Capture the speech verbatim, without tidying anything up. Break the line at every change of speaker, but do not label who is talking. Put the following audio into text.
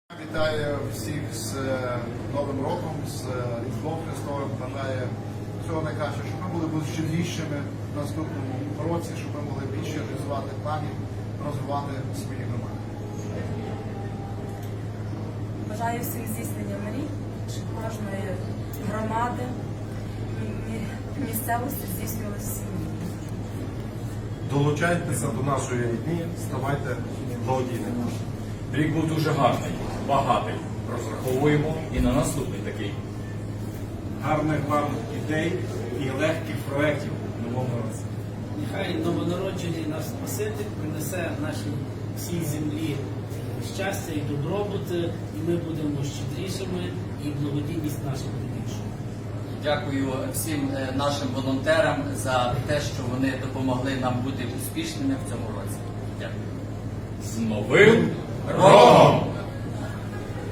Вітаю всіх з Новим роком, з Різдвом Христовим. Бажаю всього найкраще, щоб ми були щедрішими в наступному році, щоб ми могли більше реалізувати планів, розвивати свої громади.
Бажаю всім здійснення мрій, щоб кожної громади, місцевості здійснювалися всі мрії.
Долучайтеся до нашої дні, ставайте благодійними.
Рік був дуже гарний, багатий. Розраховуємо і на наступний такий.
Гарних вам ідей і легких проєктів в новому році.
Нехай новонароджений наш Спаситель принесе нашій всій землі щастя і добробут, і ми будемо щедрішими, і благодійність наша буде більшою.
Дякую всім нашим волонтерам за те, що вони допомогли нам бути успішними в цьому році. Дякую.
З Новим роком!